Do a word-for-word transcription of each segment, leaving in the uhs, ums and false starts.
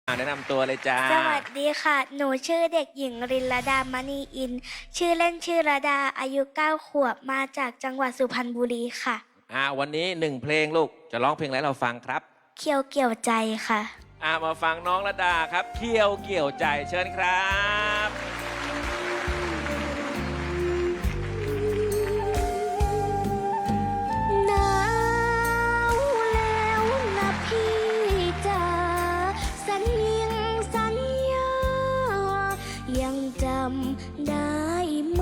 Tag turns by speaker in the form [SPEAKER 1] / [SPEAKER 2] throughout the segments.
[SPEAKER 1] แนะนำตัวเลยจ้า
[SPEAKER 2] สวัสดีค่ะ หนูชื่อเด็กหญิงรินลดามณีอิน ชื่อเล่นชื่อระดา อายุเก้าขวบ มาจากจังหวัดสุพรรณบุรีค่ะ
[SPEAKER 1] อ่าวันนี้หนึ่งเพลงลูก จะร้องเพลงอะไรเราฟังครับ
[SPEAKER 2] เคียวเกี่ยวใจค่ะ
[SPEAKER 1] อ่ามาฟังน้องระดาครับ เคี่ยวเกี่ยวใจเชิญครับ
[SPEAKER 2] หนาวแล้วนะพี่จ๋าสัญญิงสัญญา ยังจำได้ไหม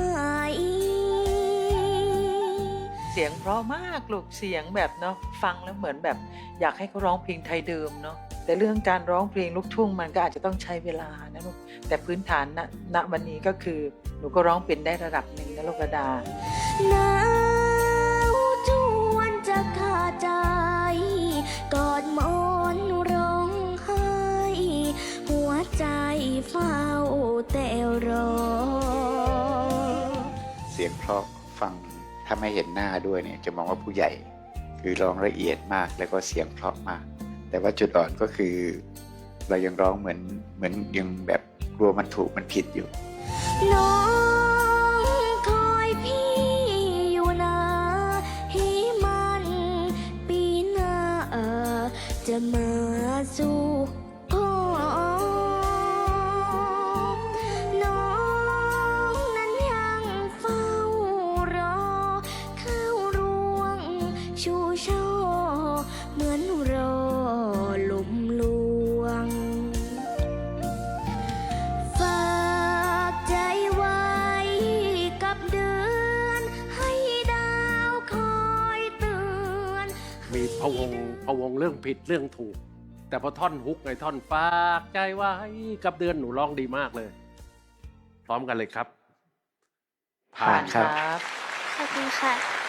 [SPEAKER 3] เสียงเพราะมากลูกเสียงแบบเนาะฟังแล้วเหมือนแบบอยากให้เขาร้องเพลงไทยเดิมเนาะแต่เรื่องการร้องเพลงลูกทุ่งมันก็อาจจะต้องใช้เวลานะลูกแต่พื้นฐานณณวันนี้ก็คือหนูก็ร้องเป็นได้ระดับหนึ่งนะลูกระดา
[SPEAKER 2] หนาวจวนจะขาดใจกอดหมอนร้องไห้หัวใจเฝ้าแต่รอ
[SPEAKER 4] เสียงเพราะฟังถ้าไม่เห็นหน้าด้วยเนี่ยจะมองว่าผู้ใหญ่คือร้องละเอียดมากแล้วก็เสียงเพราะมากแต่ว่าจุดอ่อนก็คือเรายังร้องเหมือนเหมือนยังแบบกลัวมันถูกมันผิดอยู่
[SPEAKER 2] น้องคอยพี่อยู่นะให้มันปีหน้าจะมาสู่ขอน้องนั้นยังเฝ้ารอเข้าร่วงชูช่อเหมือนรอลมลวงฝากใจไว้กับเดือนให้ดาวคอยเตือน
[SPEAKER 5] มีพะวงพะวงเรื่องผิดเรื่องถูก แต่พอท่อนฮุกในท่อนฝากใจไว้กับเดือนหนูร้องดีมากเลย พร้อมกันเลยครับ
[SPEAKER 4] ผ่านครับ
[SPEAKER 2] ขอบคุณค่ะ